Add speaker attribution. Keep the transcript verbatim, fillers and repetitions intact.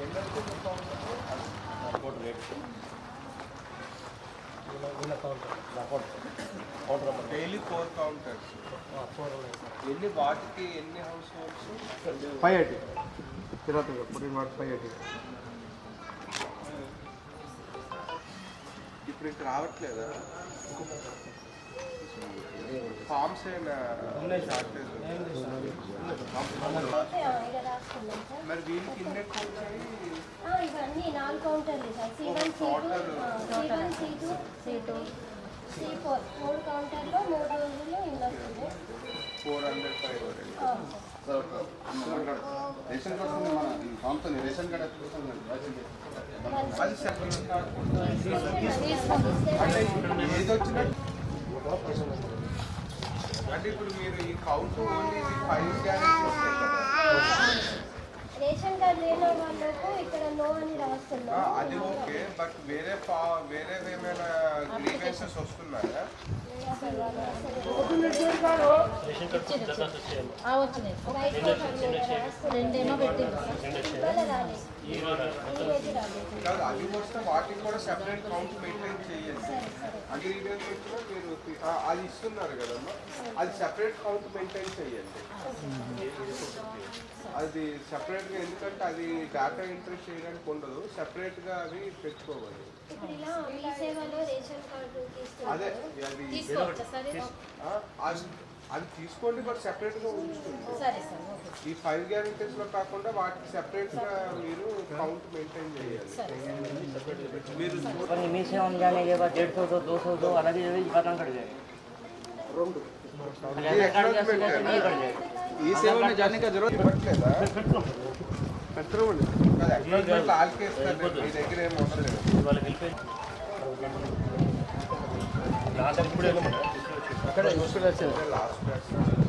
Speaker 1: daily four counters ఎన్ని వాటికి ఎన్ని households
Speaker 2: five eighty Tirupati పుట్టిన వాటి ఫైవ్ ఎయిటీ
Speaker 1: ఇప్పుడు ఇంక రావట్లేదా ఫార్మ్స్ అయినా షార్టేజ్ మరి వీళ్ళకి ఇన్ని ఎక్కువ వచ్చాయి
Speaker 3: ఇవన్నీ నాలుగు కౌంటర్లు sir C one C two C one C two C two C four మూడు కౌంటర్లో మూడు రోజుల్లో ఇల్లు వస్తుంది
Speaker 1: four hundred five
Speaker 4: ration card మన కాంపనీ రేషన్ కార్డు
Speaker 1: అది సెపరేట్ అంటే ఏది వచ్చినా అంటే ఇప్పుడు మీరు ఈ కౌంట్ ఓన్లీ ఫైవ్ గ్యారెంటీ వస్తాయి కదా
Speaker 3: రేషన్ కార్డు లేని వాళ్ళకు ఇక్కడ నో అని రాస్తున్నాం
Speaker 1: అది ఓకే బట్ వేరే పా వేరే ఏమైనా గ్రీవెన్సెస్ వస్తున్నాయా
Speaker 3: రెండేమో పెట్టి
Speaker 1: కాదు అది వస్తే వాటికి కూడా సెపరేట్ కౌంట్ మెయింటైన్ చేయండి అది గ్రీవెన్స్ వచ్చినా మీరు అది ఇస్తున్నారు కదమ్మా అది సెపరేట్ కౌంట్ మెయింటైన్ చేయండి అది సెపరేట్గా ఎందుకంటే అది డేటా ఎంట్రీ చేయడానికి ఉండదు సెపరేట్గా అవి పెట్టుకోవాలి అదే అది అది తీసుకోండి బట్ సెపరేట్గా ఉంచుతుంది ఈ ఫైవ్ గ్యారెంటీస్లో కాకుండా వాటికి సెపరేట్గా మీరు కౌంట్ మెయింటైన్ చేయాలి మీరు
Speaker 5: नीचे हम जाने के बाद डेढ़ सौ दो दो सौ दो अलग ही पता कर जाएगा
Speaker 2: ఈ సేవ में जाने का जरूरत
Speaker 1: ఇవ్వట్లేదా
Speaker 2: పెట్టుకోండి
Speaker 1: అక్నాలెడ్జ్మెంట్ ఆల్కే ఇస్తారు మీ దగ్గర ఏమి ఉండలేదు
Speaker 2: అక్కడ
Speaker 1: లాస్ట్